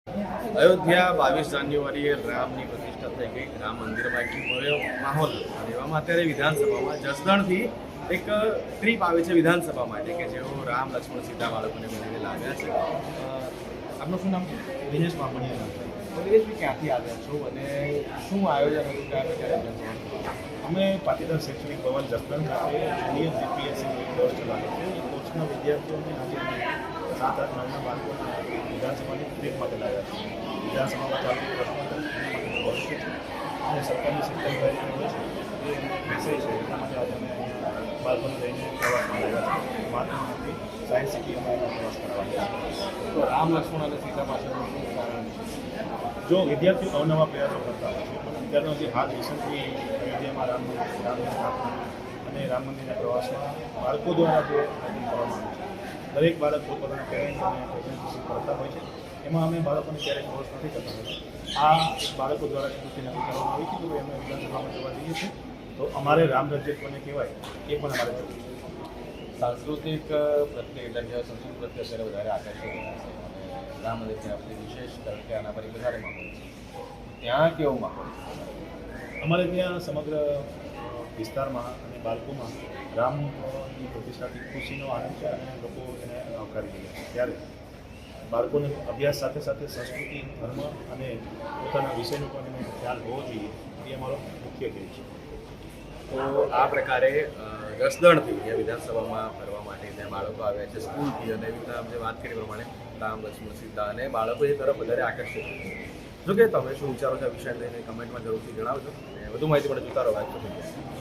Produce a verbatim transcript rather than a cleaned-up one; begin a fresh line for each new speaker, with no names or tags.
અયોધ્યા બાવીસ જાન્યુઆરીએ રામની પ્રતિષ્ઠા થઈ ગઈ. રામ મંદિરમાં એક ભવ્ય માહોલ હતો અને એવામાં અત્યારે વિધાનસભામાં જસદણથી એક ટ્રીપ આવે છે વિધાનસભા માટે કે જેઓ રામ લક્ષ્મણ સીતા બાળકોને મળીને લાવ્યા છે. અ, આપનું શું નામ છે?
દિનેશ બામણીયા નામ છે.
તો દિનેશભાઈ ક્યાંથી આવ્યા છો અને શું આયોજન હતું કયા પ્રકારે વિધાનસભા?
અમે પાટીદાર શૈક્ષણિક ભવન જસદણ ખાતે નિયમ જીપીએસસી કોર્સ ચલાવે છે. એ કોર્સના વિદ્યાર્થીઓને આજે અમે સાત આઠ નવના બાળકોને વિધાનસભાની ટ્રીપ માટે લાવ્યા છે. વિધાનસભામાં ચાલતી પ્રશ્નોત્તરી ભવિષ્ય છે અને સરકારની શિક્ષણ કાર્યક્રમ હોય છે એ વિષય છે. એટલા માટે આજે અમે અહીંયા બાળકોને લઈને પ્રવાસમાં લાવ્યા છે. મહાત્મા ગાંધી સાયન્સ સિટી અમે એનો પ્રવાસ કરાવવાનો છે.
તો રામ લક્ષ્મણ અને સીતા પાછળનું શું કારણ છે?
જો વિદ્યાર્થીઓ અવનવા પ્રયાસો કરતા હોય છે પણ અત્યારનો જે હાલ રિસન્ટલી અયોધ્યામાં રામ મંદિર રામની સ્થાપના અને રામ મંદિરના પ્રવાસમાં બાળકો દ્વારા જે આયોજન કરવામાં આવે છે, દરેક બાળક પોતપોતાના પેરેન્ટ્સ અને પ્રેઝન્ટેશન કરતા હોય છે. એમાં અમે બાળકોને ક્યારેય ફોર્સ નથી કરતા હોતા. આ એક બાળકો દ્વારા કૃતિ નક્કી કરવામાં આવી છે કે અમે વિધાનસભામાં જવા જઈએ છીએ તો અમારે રામ રાજ્ય કોને કહેવાય એ પણ અમારે જવું છે.
સાંસ્કૃતિક પ્રત્યે એટલે કે સંસ્કૃતિ પ્રત્યે અત્યારે વધારે આકર્ષિત રહ્યા છે અને રામ મંદિર ત્યાં બધી વિશેષ કારણ કે આના પર એક વધારે માહોલ છે. ત્યાં કેવો માહોલ છે?
અમારે ત્યાં સમગ્ર વિસ્તારમાં અને બાળકોમાં રામની પ્રતિષ્ઠાથી ખુશીનો આનંદ છે અને લોકો એને આવકારી રહ્યા છે. ત્યારે બાળકોને અભ્યાસ સાથે સાથે સંસ્કૃતિ, ધર્મ અને પોતાના વિષયનો પણ એને ખ્યાલ હોવો જોઈએ એ અમારો મુખ્ય ધ્યેય છે.
તો આ પ્રકારે અ, જસદણથી જે વિધાનસભામાં ફરવા માટે ત્યાં બાળકો આવ્યા છે સ્કૂલથી અને એવી રીતના જે વાત કરી પ્રમાણે રામ લક્ષ્મણ સીતા અને બાળકો એ તરફ વધારે આકર્ષિત છે. જો કે તમે શું વિચારો છો આ વિષય લઈને કમેન્ટમાં જરૂરથી જણાવજો અને વધુ માહિતી માટે જોતા રહો વાત